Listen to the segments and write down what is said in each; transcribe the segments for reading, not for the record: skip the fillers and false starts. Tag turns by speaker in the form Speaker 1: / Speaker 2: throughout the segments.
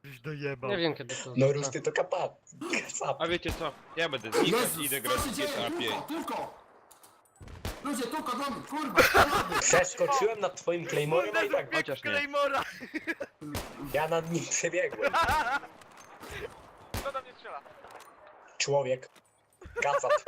Speaker 1: Już dojebał.
Speaker 2: Nie wiem kiedy to
Speaker 3: No
Speaker 2: wrzucę.
Speaker 3: Rusty to kapap.
Speaker 4: A wiecie co? Ja będę znikać i idę grać
Speaker 5: co się
Speaker 4: w
Speaker 5: dzieje?
Speaker 4: GTA 5.
Speaker 5: Tylko! Ludzie, tylko do mnie, kurwa, strzelamy!
Speaker 3: Przeskoczyłem nad twoim Claymorem, a i tak
Speaker 4: Chociaż nie.
Speaker 1: Claymora!
Speaker 3: ja nad nim przebiegłem.
Speaker 6: Kto do mnie strzela?
Speaker 3: Człowiek. Kacat.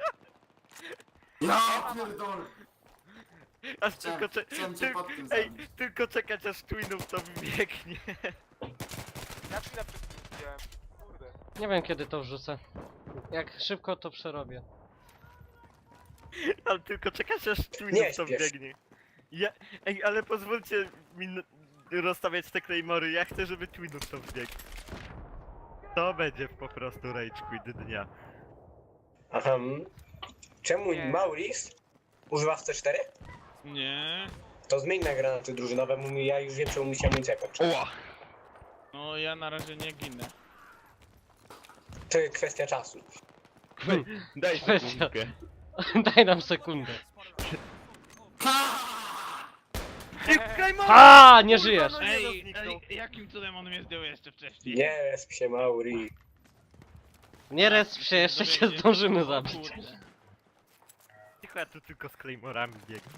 Speaker 5: Ja pierdolę!
Speaker 1: Aż tylko
Speaker 5: Chciałem cię pod tym
Speaker 1: Ej,
Speaker 5: zabić.
Speaker 1: tylko czekać aż Twinów to wybiegnie.
Speaker 6: Ja chwilę przed nim widziałem. Kurde.
Speaker 2: Nie wiem kiedy to wrzucę. Jak szybko to przerobię.
Speaker 1: Ale tylko czekać aż
Speaker 3: Nie
Speaker 1: Twinów to
Speaker 3: śpiesz.
Speaker 1: biegnie. Ej, ale pozwólcie mi rozstawiać te Claymory, ja chcę, żeby Twinów to wbiegł. To będzie po prostu Rage Quit dnia.
Speaker 3: Aha. Czemu
Speaker 6: Nie.
Speaker 3: Maurice używa w C4?
Speaker 4: Nie.
Speaker 3: To zmień na granaty drużynowe, ja już wiem czemu musiałem mieć jakoś.
Speaker 4: Oła! No ja na razie nie ginę.
Speaker 3: To jest kwestia czasu.
Speaker 4: Daj
Speaker 2: Kwestia.
Speaker 4: sekundkę.
Speaker 2: Daj nam sekundę.
Speaker 1: Claymore!
Speaker 2: A, nie żyjesz!
Speaker 1: no nie,
Speaker 4: Ej,
Speaker 1: zniknął.
Speaker 4: jakim cudem on mnie zdjął jeszcze wcześniej?
Speaker 3: Nie resp się Mauri.
Speaker 2: Nie resp się, jeszcze się zdążymy zabić.
Speaker 4: Kurde.
Speaker 1: Cicho, ja tu tylko z Claymorami biegnę.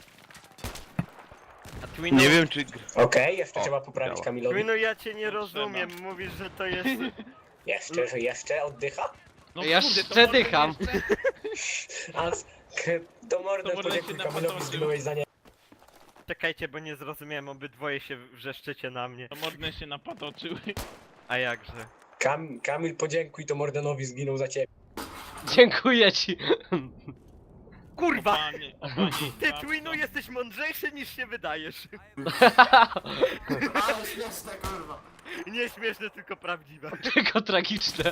Speaker 1: A Twinu,
Speaker 4: Nie wiem czy...
Speaker 3: Okej, jeszcze
Speaker 4: O,
Speaker 3: trzeba poprawić
Speaker 4: działa.
Speaker 3: Kamilowi.
Speaker 1: Twinu, ja cię nie
Speaker 4: No,
Speaker 1: rozumiem, mówisz, że to jest...
Speaker 3: Jeszcze oddycha?
Speaker 4: No
Speaker 2: Ja
Speaker 4: kurde, to
Speaker 2: jeszcze
Speaker 4: może
Speaker 2: dycham.
Speaker 4: jeszcze-
Speaker 3: A to mordę
Speaker 4: To mordę
Speaker 3: podziękuj
Speaker 4: się
Speaker 3: Kamilowi,
Speaker 4: napatoczył.
Speaker 3: zginąłeś za nie.
Speaker 1: Czekajcie, bo nie zrozumiałem, obydwoje się wrzeszczycie na mnie.
Speaker 4: To modne się napatoczyły.
Speaker 1: A jakże?
Speaker 3: Kamil podziękuj, to Mordenowi zginął za ciebie.
Speaker 2: Dziękuję ci.
Speaker 1: Kurwa!
Speaker 4: Panie, panie,
Speaker 1: Ty,
Speaker 4: babko.
Speaker 1: Twinu, jesteś mądrzejszy niż się wydajesz.
Speaker 5: Ale śmieszne, kurwa!
Speaker 1: Nie śmieszne, tylko prawdziwe.
Speaker 2: Tylko tragiczne.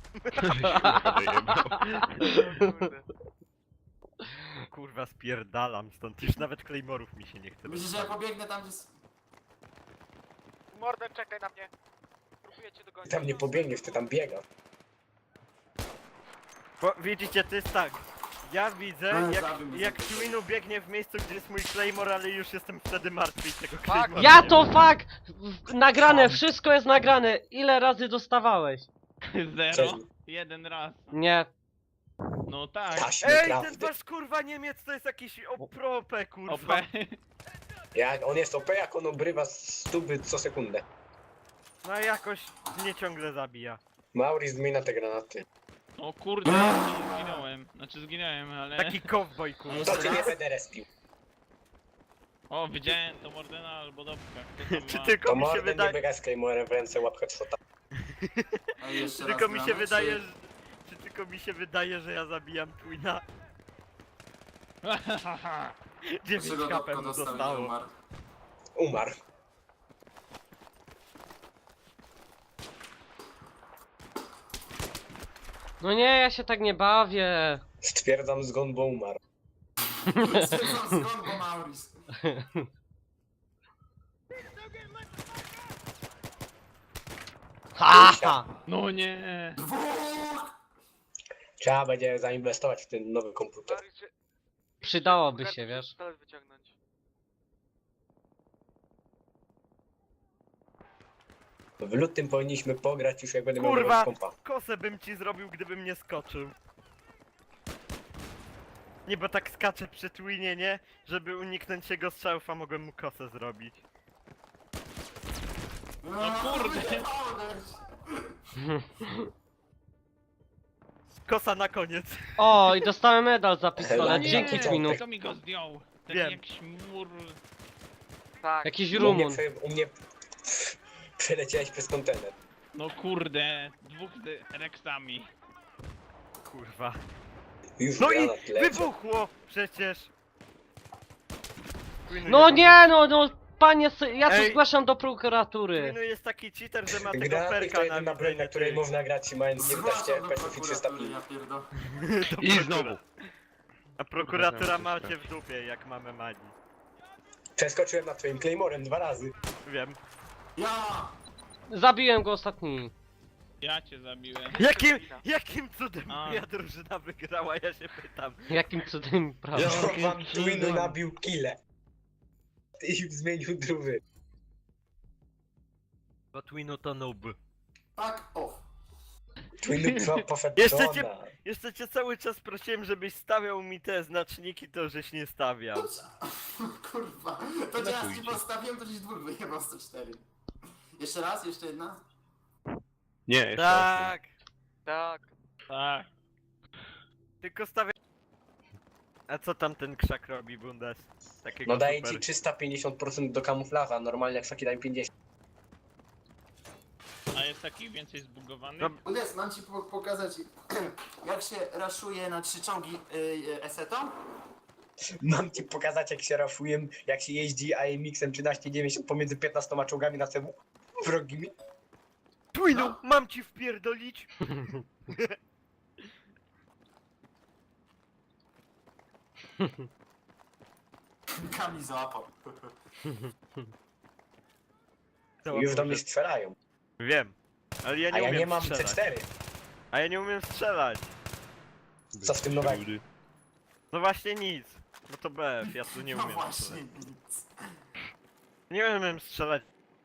Speaker 6: Kurde.
Speaker 1: Kurwa, spierdalam stąd, już nawet Claymorów mi się nie chce.
Speaker 5: Myślisz, że ja pobiegnę tam, gdzie...
Speaker 6: Morden, czekaj na mnie. Próbuję cię dogonić.
Speaker 3: Tam nie pobiegniesz, ty tam biegasz.
Speaker 1: Bo widzicie, to jest tak. Ja widzę,
Speaker 5: zabił mnie
Speaker 1: jak
Speaker 5: za to.
Speaker 1: Twinu biegnie w miejscu, gdzie jest mój Claymore, ale już jestem wtedy martwy i tego
Speaker 6: Fuck.
Speaker 1: Claymora
Speaker 2: Ja
Speaker 1: nie
Speaker 2: to
Speaker 1: ma.
Speaker 2: fuck! Nagrane, wszystko jest nagrane. Ile razy dostawałeś?
Speaker 3: Cześć.
Speaker 4: Zero. Jeden raz.
Speaker 2: Nie.
Speaker 4: No tak.
Speaker 3: Taśmy
Speaker 1: Ej, ten
Speaker 3: prawdy.
Speaker 1: wasz kurwa Niemiec to jest jakiś opropę,
Speaker 4: OP.
Speaker 1: kurwa.
Speaker 3: On jest OP, jak on obrywa stuby co sekundę.
Speaker 1: No jakoś mnie ciągle zabija.
Speaker 3: Mauri zmienia te granaty.
Speaker 4: O kurde, ja zginąłem. Znaczy zginąłem, ale...
Speaker 1: Taki cowboy, kurwa.
Speaker 3: To cię nie będę respił.
Speaker 4: O, widziałem to Mordena albo Dobka. Kto to
Speaker 1: Czy
Speaker 4: ma?
Speaker 1: tylko
Speaker 3: To
Speaker 1: mi się
Speaker 3: Morden nie
Speaker 1: wydaje...
Speaker 3: biega z Claymorem w ręce, łap headshota.
Speaker 5: Ej, jeszcze raz
Speaker 1: Tylko mi się
Speaker 5: gramy,
Speaker 1: wydaje,
Speaker 5: czy-
Speaker 1: czy tylko mi się wydaje, że ja zabijam Twina. 9
Speaker 5: Dlaczego
Speaker 1: HP
Speaker 5: Dobko
Speaker 1: mu
Speaker 5: dostał i
Speaker 1: zostało.
Speaker 5: umarł?
Speaker 3: Umarł.
Speaker 2: No nie, ja się tak nie bawię.
Speaker 3: Stwierdzam zgon, bo umarł.
Speaker 5: Stwierdzam skąd, bo Maurice.
Speaker 2: Ha, ha.
Speaker 4: No nie.
Speaker 5: Dwóch!
Speaker 3: Trzeba będzie zainwestować w ten nowy komputer.
Speaker 6: Mariusz, czy-
Speaker 2: Przydałoby
Speaker 6: kartę
Speaker 2: się, wiesz.
Speaker 6: pistolet wyciągnąć.
Speaker 3: W lutym powinniśmy pograć już jak będę miał
Speaker 1: Kurwa!
Speaker 3: nowego kompa.
Speaker 1: Kosę bym ci zrobił, gdybym nie skoczył. Nie, bo tak skaczę przy Twinie, nie? Żeby uniknąć jego strzałów, a mogłem mu kosę zrobić.
Speaker 5: No
Speaker 4: kurde.
Speaker 1: Kosa na koniec.
Speaker 2: O, i dostałem medal za
Speaker 3: No
Speaker 2: pistolet.
Speaker 3: nie,
Speaker 2: Dzięki
Speaker 3: nie.
Speaker 2: Twinu.
Speaker 4: Kto mi go zdjął? Ten
Speaker 1: Wiem.
Speaker 4: jakiś mur...
Speaker 6: Tak.
Speaker 2: Jakiś
Speaker 3: U mnie,
Speaker 2: Rumun.
Speaker 3: u mnie przeleciałeś przez kontener.
Speaker 4: No kurde, dwóch z Rexami.
Speaker 1: Kurwa.
Speaker 3: Już
Speaker 1: No i
Speaker 3: granat leci.
Speaker 1: wybuchło przecież. Twinu
Speaker 2: No
Speaker 1: jest-
Speaker 2: nie, no, panie, ja to
Speaker 1: Ej.
Speaker 2: zgłaszam do prokuratury.
Speaker 1: Twinu jest taki cheater, że ma tego
Speaker 3: Granaty to
Speaker 1: perka
Speaker 3: jedyna broń, na
Speaker 1: widzenie
Speaker 3: której
Speaker 1: tych.
Speaker 3: można grać mając 11
Speaker 5: Zwłaszcza do
Speaker 3: FPS i 300
Speaker 5: prokuratury,
Speaker 3: ping.
Speaker 5: ja pierdolę.
Speaker 1: Do
Speaker 4: I
Speaker 1: prokura-
Speaker 4: znowu.
Speaker 1: A prokuratura macie w dupie, jak mamy magii.
Speaker 3: Przeskoczyłem nad twoim Claymorem 2 razy.
Speaker 1: Wiem.
Speaker 5: Ja!
Speaker 2: Zabiłem go ostatni.
Speaker 4: Ja cię zabiłem.
Speaker 1: Jakim cudem
Speaker 4: A.
Speaker 1: moja drużyna wygrała, ja się pytam.
Speaker 2: Jakim cudem, prawda?
Speaker 3: No wam Twinu nabił kile. I zmienił druwy.
Speaker 1: Bo Twinu to noob.
Speaker 5: Fuck off.
Speaker 3: Twinu poszedł
Speaker 1: Jeszcze
Speaker 3: do
Speaker 1: cię-
Speaker 3: ona.
Speaker 1: Jeszcze cię cały czas prosiłem, żebyś stawiał mi te znaczniki, to żeś nie stawiał.
Speaker 5: Kurwa. To teraz ci postawiłem, to ci dwóch wyjebał 104. Jeszcze raz, jeszcze jedna.
Speaker 7: Nie, jeszcze
Speaker 1: Tak,
Speaker 6: Tak.
Speaker 4: Tak.
Speaker 1: tylko stawiaj. A co tam ten krzak robi, Bundes? Takiego
Speaker 3: No daje
Speaker 1: super.
Speaker 3: ci 350% do kamuflaża, normalnie krzaki dają 50.
Speaker 4: A jest taki więcej zbugowany?
Speaker 1: No,
Speaker 5: Udes, mam ci pokazać, jak się raszuje na 3 czołgi esetą.
Speaker 3: Mam ci pokazać jak się raszuję, jak się jeździ AMX-em 1390 pomiędzy 15 czołgami na CW wrogimi.
Speaker 1: Twinu,
Speaker 5: No.
Speaker 1: mam ci wpierdolić!
Speaker 5: Kami załapał.
Speaker 3: Już do mnie strzelają.
Speaker 1: Wiem, ale ja
Speaker 3: A
Speaker 1: nie
Speaker 3: ja
Speaker 1: umiem
Speaker 3: nie mam
Speaker 1: strzelać.
Speaker 3: C4.
Speaker 1: A ja nie umiem strzelać.
Speaker 3: Co w tym nowego?
Speaker 1: No właśnie nic. Bo to BF, ja tu nie
Speaker 5: No
Speaker 1: umiem
Speaker 5: właśnie
Speaker 1: strzelać.
Speaker 5: nic.
Speaker 1: Nie umiem strzelać.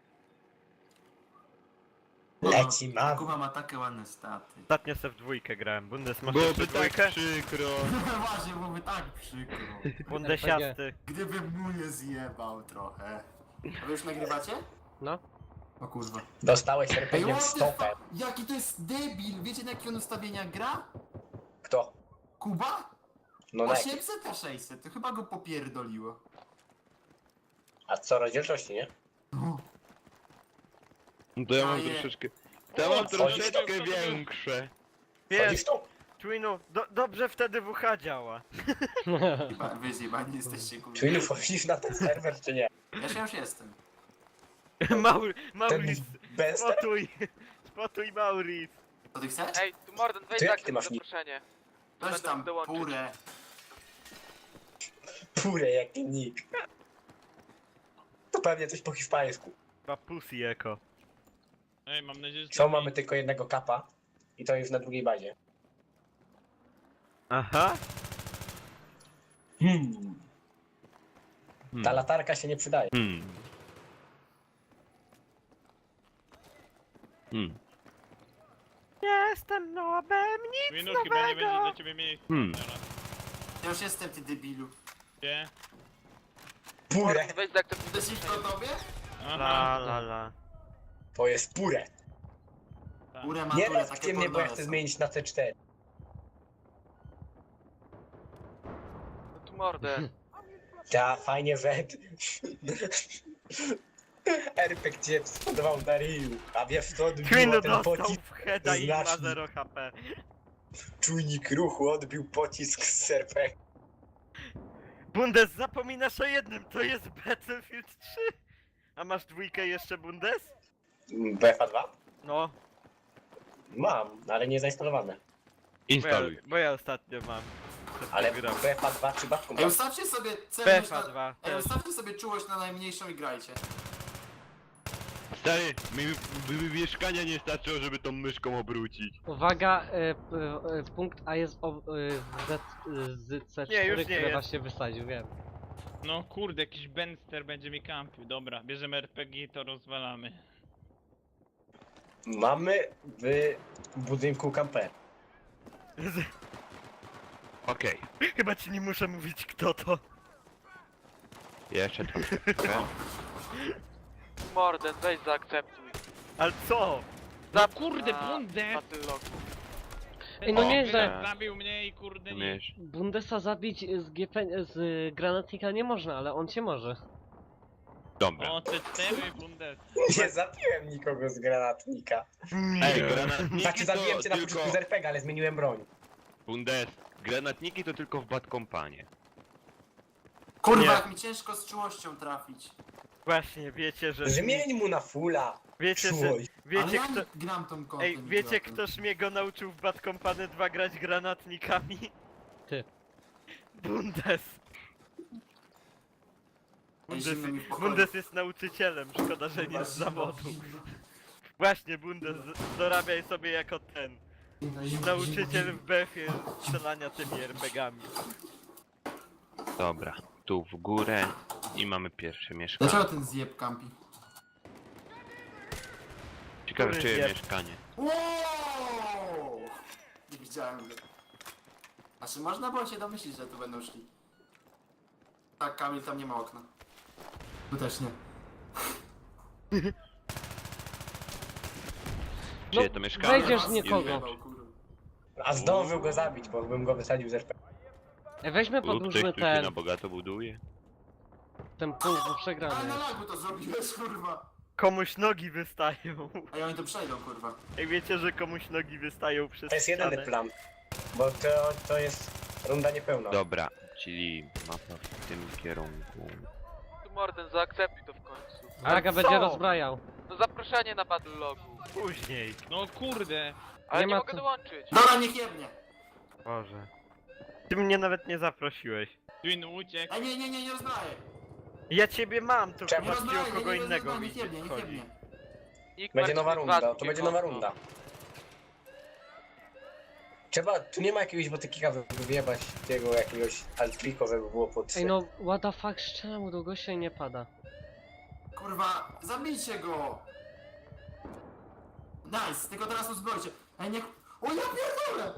Speaker 3: Leci mam.
Speaker 5: Kuba ma takie ładne staty.
Speaker 1: Ostatnio se w dwójkę grałem. Bundes, masz
Speaker 7: Byłoby
Speaker 1: jeszcze
Speaker 7: tak
Speaker 1: dwójkę?
Speaker 7: przykro.
Speaker 5: Właśnie, byłoby tak przykro.
Speaker 1: Bundesiasty.
Speaker 5: Gdybym mu nie zjebał trochę. A wy już nagrywacie?
Speaker 2: No.
Speaker 5: O kurwa.
Speaker 3: Dostałeś
Speaker 5: Ej,
Speaker 3: RPG w
Speaker 5: what the
Speaker 3: stopę.
Speaker 5: fuck? Jaki to jest debil! Wiecie na jakie on ustawienia gra?
Speaker 3: Kto?
Speaker 5: Kuba?
Speaker 3: No na jakie?
Speaker 5: 800 a 600, to chyba go popierdoliło.
Speaker 3: A co, rozdzielczości, nie?
Speaker 5: No.
Speaker 7: No to ja mam
Speaker 5: Daję.
Speaker 7: troszeczkę... To ja mam
Speaker 3: Wchodzisz
Speaker 7: troszeczkę
Speaker 4: to-
Speaker 7: większe.
Speaker 1: Wiesz,
Speaker 3: Chodzisz tu?
Speaker 1: Twinu, dobrze wtedy WH działa.
Speaker 5: Chyba wy zjebani jesteście kurwa.
Speaker 3: Twinu, wchodzisz na ten serwer, czy nie?
Speaker 5: Ja już jestem.
Speaker 3: Ten
Speaker 1: Maurice,
Speaker 3: bez...
Speaker 1: spotuj Maurice.
Speaker 5: To ty chcesz?
Speaker 6: Ej, tu Morden, weź
Speaker 3: To jak
Speaker 6: tak
Speaker 3: ty masz nick?
Speaker 6: zaproszenie.
Speaker 5: Weź
Speaker 6: będę
Speaker 5: tam
Speaker 6: dołączyć.
Speaker 5: purę.
Speaker 3: Pure jaki nick. To pewnie coś po hiszpańsku.
Speaker 1: Chyba Pussy Echo.
Speaker 4: Ej, mam nadzieję, że...
Speaker 3: Co, mamy tylko jednego kapa. I to już na drugiej bazie.
Speaker 1: Aha.
Speaker 3: Ta latarka się nie przydaje.
Speaker 1: Jestem nobem, nic
Speaker 4: Twinu, chyba nie będzie
Speaker 1: nowego.
Speaker 4: dla ciebie miejsca teraz.
Speaker 5: Ja już jestem ty debilu.
Speaker 4: Gdzie?
Speaker 3: Pure.
Speaker 6: Morden, weź zaakceptuj
Speaker 5: Chcesz iść do
Speaker 6: zaproszenie.
Speaker 5: tobie?
Speaker 1: La la la.
Speaker 3: To jest pure.
Speaker 4: Tak.
Speaker 5: Purę
Speaker 3: Nie
Speaker 5: maturę,
Speaker 3: lepcie
Speaker 5: takie
Speaker 3: mnie, bo ja
Speaker 5: pornowe
Speaker 3: chcę
Speaker 5: są.
Speaker 3: zmienić na C4.
Speaker 6: No tu Morden.
Speaker 3: Ta, fajnie wed. RPG cię spodobał na Ryu. A wiesz co odbiło
Speaker 1: Twinu
Speaker 3: ten
Speaker 1: dostał
Speaker 3: pocisk?
Speaker 1: w heada i ma
Speaker 3: znacznik.
Speaker 1: 0 HP.
Speaker 3: Czujnik ruchu odbił pocisk z RPG.
Speaker 1: Bundes, zapominasz o jednym, to jest Battlefield 3. A masz dwójkę jeszcze, Bundes?
Speaker 3: BFA 2?
Speaker 1: No,
Speaker 3: Mam, ale nie zainstalowane.
Speaker 7: Instaluj.
Speaker 1: bo ja ostatnio mam.
Speaker 3: Ale
Speaker 1: Gram.
Speaker 3: BFA 2 czy batką?
Speaker 5: Ej, ustawcie sobie celność
Speaker 1: BFA
Speaker 5: na...
Speaker 1: 2
Speaker 5: Ej,
Speaker 1: też.
Speaker 5: ustawcie sobie czułość na najmniejszą i grajcie.
Speaker 7: Stary, mi mieszkania nie starczyło, żeby tą myszką obrócić.
Speaker 2: Uwaga, punkt A jest z C4,
Speaker 1: Nie, już nie
Speaker 2: który
Speaker 1: jest.
Speaker 2: właśnie wysadził, wiem.
Speaker 4: No kurde, jakiś Benster będzie mi kampił. Dobra, bierzemy RPG i to rozwalamy.
Speaker 3: Mamy w budynku kamper.
Speaker 7: Okej.
Speaker 1: Chyba ci nie muszę mówić kto to.
Speaker 7: Jeszcze troszkę.
Speaker 6: Morden, weź zaakceptuj.
Speaker 1: Ale co?
Speaker 4: No kurde, Bundes!
Speaker 6: Battlelog.
Speaker 2: Ej, no
Speaker 7: O,
Speaker 2: nieźle.
Speaker 4: Zabił mnie i kurde nie.
Speaker 7: Umiesz.
Speaker 2: Bundesa zabić z granatnika nie można, ale on cię może.
Speaker 7: Dobra.
Speaker 4: O, C4 Bundes.
Speaker 3: Nie zabiłem nikogo z granatnika.
Speaker 7: Ej, granatniki
Speaker 3: Znaczy zabiłem
Speaker 7: to
Speaker 3: cię na
Speaker 7: tylko...
Speaker 3: początku z RPG, ale zmieniłem broń.
Speaker 7: Bundes. Granatniki to tylko w Bad Companie.
Speaker 5: Kurwa,
Speaker 1: Nie.
Speaker 5: jak mi ciężko z czułością trafić.
Speaker 1: Właśnie, wiecie, że...
Speaker 3: Zmień mu na fulla.
Speaker 1: Wiecie, że...
Speaker 3: Czułość.
Speaker 5: Ale
Speaker 1: Wiecie
Speaker 5: ja
Speaker 1: kto...
Speaker 5: nie gram tą kątem.
Speaker 1: Ej, wiecie ktoś mnie go nauczył w Bad Company 2 grać granatnikami?
Speaker 2: Ty.
Speaker 1: Bundes. Bundes jest nauczycielem, szkoda, że nie z zawodu. Właśnie, Bundes, dorabiaj sobie jako ten. Nauczyciel w BF-ie strzelania tymi RPGami.
Speaker 7: Dobra. Tu w górę i mamy pierwsze
Speaker 5: Dlaczego
Speaker 7: mieszkanie.
Speaker 5: ten zjeb kampi?
Speaker 7: Skarczyłem
Speaker 1: Który
Speaker 7: mieszkanie.
Speaker 5: Wow! Nie widziałem go. Znaczy można było się domyślić, że tu będą szli. Tak, Kamil, tam nie ma okna. Tu też nie.
Speaker 7: Czyje to mieszkanie?
Speaker 2: wejdziesz
Speaker 5: Was
Speaker 2: nikogo.
Speaker 5: wyjebał, kurwa.
Speaker 3: A zdążył go zabić, bo bym go wysadził z RP.
Speaker 2: Weźmy
Speaker 7: Lub ktoś
Speaker 2: podróżmy
Speaker 7: tu się na
Speaker 2: ten,
Speaker 7: bogato buduje.
Speaker 2: ten punkt, bo
Speaker 5: Ale
Speaker 2: przegrany
Speaker 5: na
Speaker 2: jest.
Speaker 5: lagu to zrobiłeś, kurwa.
Speaker 1: Komuś nogi wystają.
Speaker 5: A oni tu przejdą, kurwa.
Speaker 1: Jak wiecie, że komuś nogi wystają przez
Speaker 3: To jest jedyny
Speaker 1: ścianę?
Speaker 3: plan. Bo to jest runda niepełna.
Speaker 7: Dobra, czyli mapa w tym kierunku.
Speaker 6: Tu Morden, zaakceptuj to w końcu.
Speaker 2: Draga
Speaker 1: co?
Speaker 2: będzie rozbrajał.
Speaker 6: To zaproszenie na battle logu.
Speaker 1: Później.
Speaker 4: No kurde.
Speaker 6: Ale
Speaker 2: Nie
Speaker 6: nie
Speaker 2: ma
Speaker 6: mogę
Speaker 2: co.
Speaker 6: dołączyć.
Speaker 5: Dobra, niech jebnie.
Speaker 1: Boże. Ty mnie nawet nie zaprosiłeś.
Speaker 4: Twin uciekł.
Speaker 5: Ej, nie rozbraję.
Speaker 1: Ja ciebie mam, tylko
Speaker 3: Czemu?
Speaker 5: Nie
Speaker 1: masz ci
Speaker 5: rozbraję,
Speaker 1: o kogo
Speaker 5: nie
Speaker 1: innego
Speaker 5: rozbraję, niech jebnie,
Speaker 1: widzieć
Speaker 5: niech
Speaker 1: chodzi.
Speaker 5: jebnie.
Speaker 6: Nikt
Speaker 3: Będzie
Speaker 6: Marcin
Speaker 3: nowa runda,
Speaker 6: dwa
Speaker 3: to będzie nowa
Speaker 6: drugie
Speaker 3: runda.
Speaker 6: konto.
Speaker 3: Trzeba, tu nie ma jakiegoś botykika, żeby wyjebać tego jakiegoś altriko, żeby było pod...
Speaker 2: Ej no, what the fuck, czemu do gościa i nie pada?
Speaker 5: Kurwa, zabijcie go! Nice, tylko teraz uzbrojcie. Ej, niech... O, ja pierdolę!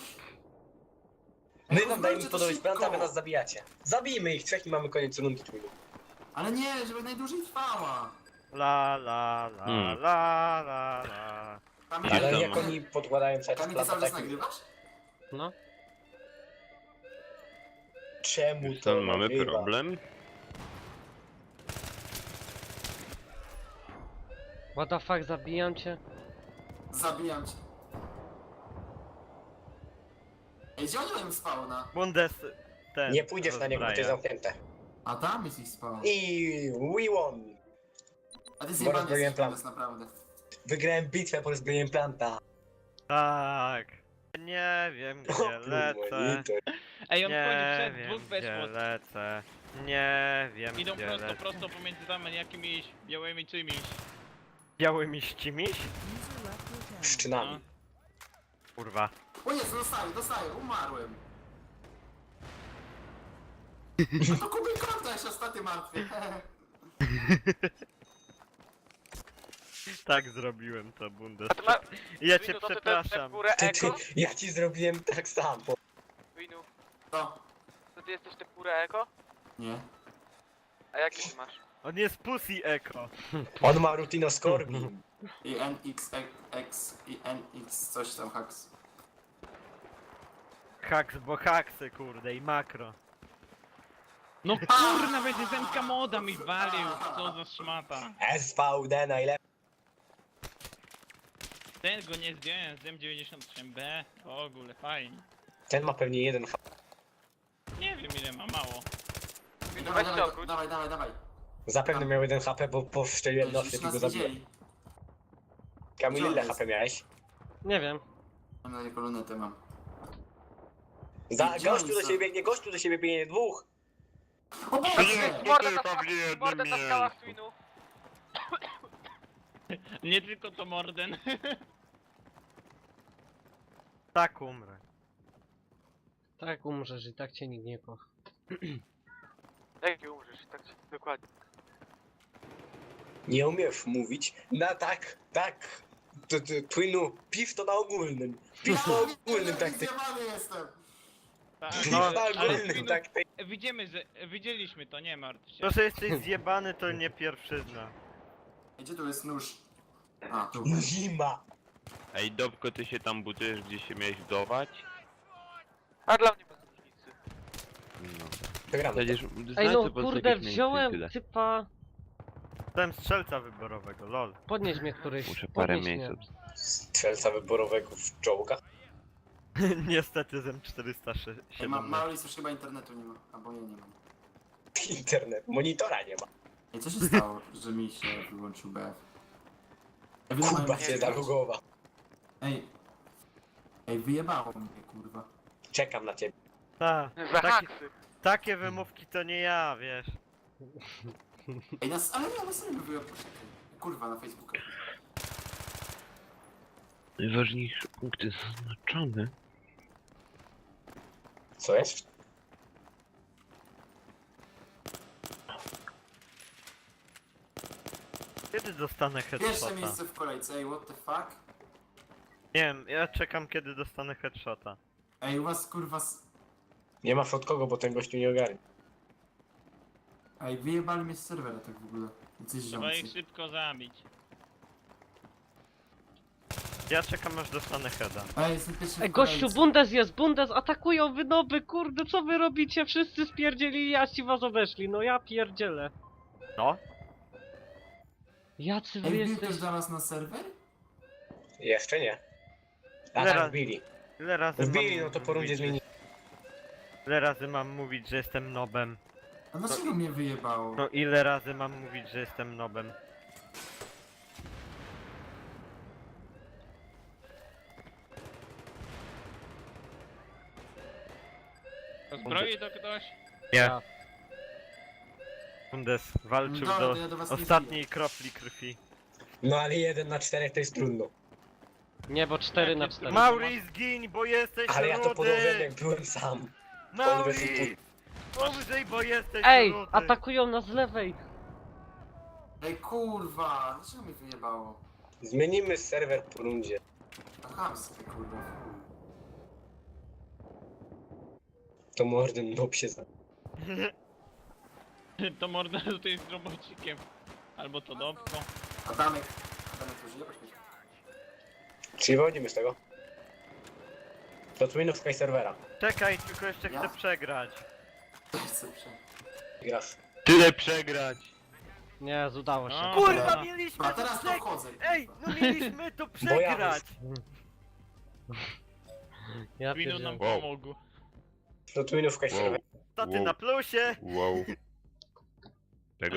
Speaker 3: My
Speaker 5: Ej,
Speaker 3: wam dajemy
Speaker 5: uzbrojcie to
Speaker 3: podobać
Speaker 5: szybko!
Speaker 3: planta, wy nas zabijacie. Zabijmy ich trzech i mamy koniec rundy twinu.
Speaker 5: Ale nie, żeby najdłużej trwała.
Speaker 1: La la la
Speaker 7: Hmm.
Speaker 1: la la la.
Speaker 5: Kamil,
Speaker 7: Ale
Speaker 3: Ale
Speaker 7: to
Speaker 3: jak
Speaker 7: ma-
Speaker 3: oni podkładają cały czas
Speaker 5: Kamil, ty
Speaker 3: planta,
Speaker 5: cały czas
Speaker 3: tak...
Speaker 5: nagrywasz?
Speaker 2: No.
Speaker 3: Czemu
Speaker 7: Już
Speaker 3: to
Speaker 7: tam mamy
Speaker 3: nagrywa?
Speaker 7: problem.
Speaker 2: What the fuck, zabijam cię.
Speaker 5: Zabijam cię. Ej, gdzie oni mają spawna?
Speaker 1: Bundes ten.
Speaker 3: Nie pójdziesz na niego, bo to jest
Speaker 1: rozbraja.
Speaker 3: zamknięte.
Speaker 5: A tam jest ich spawn.
Speaker 3: I we won!
Speaker 5: A ty
Speaker 3: Bo
Speaker 5: zjebany
Speaker 3: rozbroiłem
Speaker 5: jesteś,
Speaker 3: plan.
Speaker 5: Bundes, naprawdę.
Speaker 3: Wygrałem bitwę po rozbrojeniem planta.
Speaker 1: Tak. Nie wiem gdzie lecę.
Speaker 4: Ej, on
Speaker 1: Nie
Speaker 4: wchodzi przed
Speaker 1: wiem
Speaker 4: dwóch
Speaker 1: gdzie
Speaker 4: weszło.
Speaker 1: lecę. Nie wiem
Speaker 4: Idą
Speaker 1: gdzie
Speaker 4: prosto,
Speaker 1: lecę.
Speaker 4: prosto pomiędzy tam jakimiś białymi czymś.
Speaker 1: Białymi ścimiś?
Speaker 3: Szczynami.
Speaker 1: Kurwa.
Speaker 5: O Jezu, dostaję, umarłem. A to Kuby konta jeszcze ostatni martwy.
Speaker 1: Tak zrobiłem to, Bundes.
Speaker 6: A ty ma...
Speaker 1: Ja cię
Speaker 6: Winu, to ty te
Speaker 1: przepraszam.
Speaker 6: purę eko?
Speaker 3: Ja ci zrobiłem tak samo.
Speaker 6: Winu,
Speaker 5: To?
Speaker 6: to ty jesteś te purę eko?
Speaker 5: Nie.
Speaker 6: A jakie ty masz?
Speaker 1: On jest Pussy Echo.
Speaker 3: On ma Rutino Scorbin.
Speaker 5: I NXX i NX coś tam haks.
Speaker 1: Haks, bo haksy kurde i makro.
Speaker 4: No kurna, będzie zemka moda mi walił. Co za szmata.
Speaker 3: SVD najlepszy.
Speaker 4: Ten go nie zdjąłem z M93B. W ogóle fajnie.
Speaker 3: Ten ma pewnie jeden
Speaker 4: Nie wiem ile ma, mało.
Speaker 6: Winu,
Speaker 5: Dawaj,
Speaker 6: weź się
Speaker 5: dawaj,
Speaker 6: obróć.
Speaker 5: dawaj.
Speaker 3: Zapewne miał jeden HP, bo powstrzeliłem
Speaker 5: Już
Speaker 3: nosy i
Speaker 5: nas
Speaker 3: go zabiłem.
Speaker 5: widzieli.
Speaker 3: Kamil,
Speaker 5: Gdzie on
Speaker 3: ile
Speaker 5: jest?
Speaker 3: HP miałeś?
Speaker 2: Nie wiem.
Speaker 5: Mam na jaką lunetę mam.
Speaker 3: Gościu do siebie biegnie dwóch.
Speaker 5: O Boże!
Speaker 6: Morden na
Speaker 7: tylko
Speaker 6: skałach,
Speaker 7: w jednym
Speaker 6: Morden na skałach,
Speaker 7: miejscu.
Speaker 6: Winu.
Speaker 4: Nie tylko to Morden.
Speaker 1: Tak umrę.
Speaker 2: Tak umrzesz i tak cię nikt nie kocha.
Speaker 6: Jak nie umrzesz? Tak, dokładnie.
Speaker 3: Nie umiesz mówić. Na tak. Twinu, piw to na ogólnym. Piw na ogólnym taktyk.
Speaker 5: Zjebany jestem!
Speaker 4: Tak,
Speaker 3: Piw
Speaker 1: No,
Speaker 3: na
Speaker 4: ale
Speaker 3: ogólnym
Speaker 4: Twinu,
Speaker 3: taktyk.
Speaker 4: widzieliśmy to, nie martw się.
Speaker 1: To, że jesteś zjebany to nie pierwszyzna.
Speaker 5: Gdzie tu jest nóż? A, tu.
Speaker 3: Zima.
Speaker 7: Ej, Dobko, ty się tam budujesz, gdzie się miałeś wdować?
Speaker 6: A dla mnie bez różnicy.
Speaker 7: No.
Speaker 3: Wygramy.
Speaker 7: Przecież
Speaker 2: Ej no
Speaker 7: znacie po
Speaker 2: kurde,
Speaker 7: takich miejscach
Speaker 2: wziąłem
Speaker 7: tyle.
Speaker 2: typa...
Speaker 1: Byłem strzelca wyborowego, lol.
Speaker 2: Podnieś mnie któryś.
Speaker 7: Muszę parę
Speaker 2: podnieś
Speaker 7: miejsc
Speaker 2: mnie.
Speaker 3: Strzelca wyborowego w czołgach.
Speaker 1: Niestety z M407.
Speaker 5: Maurice już chyba internetu nie ma. Albo ja nie mam.
Speaker 3: Internet. Monitora nie ma.
Speaker 5: Ej, co się stało, że mi się wyłączył BF? Ej, wy
Speaker 3: Kuba
Speaker 5: mają-
Speaker 3: się zalogował.
Speaker 5: Ej, wyjebało mnie, kurwa.
Speaker 3: Czekam na ciebie.
Speaker 1: Ta,
Speaker 6: Za
Speaker 1: taki,
Speaker 6: haksy.
Speaker 1: takie wymówki to nie ja, wiesz.
Speaker 5: Ej, ale ja na sobie wyjebał. Kurwa, na Facebooku.
Speaker 7: Najważniejsze punkty zaznaczone.
Speaker 3: Co jest?
Speaker 1: Kiedy dostanę
Speaker 5: Pierwsze
Speaker 1: headshota?
Speaker 5: miejsce w kolejce, ej, what the fuck?
Speaker 1: Nie wiem, ja czekam kiedy dostanę headshota.
Speaker 5: Ej, u was kurwa...
Speaker 3: Nie ma od kogo, bo ten gościu nie ogarnie.
Speaker 5: Ej, wyjebali mnie z serwera tak w ogóle. Jacyś
Speaker 4: Trzeba ich
Speaker 5: ziomcy.
Speaker 4: szybko zabić.
Speaker 1: Ja czekam aż dostanę heada.
Speaker 5: Ej, jestem pierwszy
Speaker 2: Ej,
Speaker 5: w
Speaker 2: gościu,
Speaker 5: kolejce.
Speaker 2: Bundes jest, Bundes, atakują wynoby, kurde, co wy robicie? Wszyscy spierdzieli, a ci was obeszli, no ja pierdzielę.
Speaker 1: No?
Speaker 2: Jacy wy
Speaker 5: Ej, wbił
Speaker 2: jesteście?
Speaker 5: ktoś do nas na serwer?
Speaker 3: Jeszcze nie. A
Speaker 1: Zaraz.
Speaker 3: tak wbili.
Speaker 1: Ile razy
Speaker 3: Wbili,
Speaker 1: mam
Speaker 3: no to po rundzie
Speaker 1: mówić,
Speaker 3: zmieni.
Speaker 1: Ile razy mam mówić, że jestem nobem?
Speaker 5: A dlaczego mnie wyjebało?
Speaker 1: No ile razy mam mówić, że jestem nobem?
Speaker 4: Zbroi to ktoś?
Speaker 1: Nie.
Speaker 2: Ja.
Speaker 1: Bundes walczył
Speaker 5: Dobra,
Speaker 1: do
Speaker 5: to ja do was nie
Speaker 1: ostatniej kropli krwi.
Speaker 3: No ale 1 na 4 to jest trudno.
Speaker 2: Nie, bo 4 na 4.
Speaker 1: Mauri, zgiń, bo jesteś
Speaker 3: Ale ja to podłożyłem
Speaker 1: rudy!
Speaker 3: jak byłem sam.
Speaker 1: Mauri! Umrzyj, bo jesteś
Speaker 2: Ej,
Speaker 1: rudy!
Speaker 2: atakują nas z lewej.
Speaker 5: Ej, kurwa, dlaczego mnie wyjebało?
Speaker 3: Zmienimy serwer po rundzie.
Speaker 5: To chamskie, kurwa.
Speaker 3: To mordem nob się zna.
Speaker 4: To morda tutaj z robocikiem. Albo to dobko.
Speaker 5: Adamek to żyje? Poczekaj.
Speaker 3: Czyli wychodzimy z tego. To twinów sky serwera.
Speaker 1: Czekaj, tylko jeszcze
Speaker 5: Ja?
Speaker 1: chcę przegrać.
Speaker 5: To jest lepsze.
Speaker 3: Grasz.
Speaker 7: Tyle przegrać.
Speaker 2: Nie, udało się.
Speaker 4: No.
Speaker 1: Kurwa,
Speaker 4: Dobra.
Speaker 1: mieliśmy
Speaker 5: A
Speaker 1: to
Speaker 5: teraz to
Speaker 1: przegrać!
Speaker 5: wchodzę.
Speaker 1: Ej,
Speaker 5: kurwa.
Speaker 1: no mieliśmy to
Speaker 3: Bo ja
Speaker 1: przegrać!
Speaker 2: Ja
Speaker 4: Winu nam
Speaker 2: pierdzielę.
Speaker 7: Wow.
Speaker 4: pomógł.
Speaker 3: To twinów sky serwera.
Speaker 1: To ty
Speaker 7: Wow.
Speaker 1: na plusie!
Speaker 7: Wow.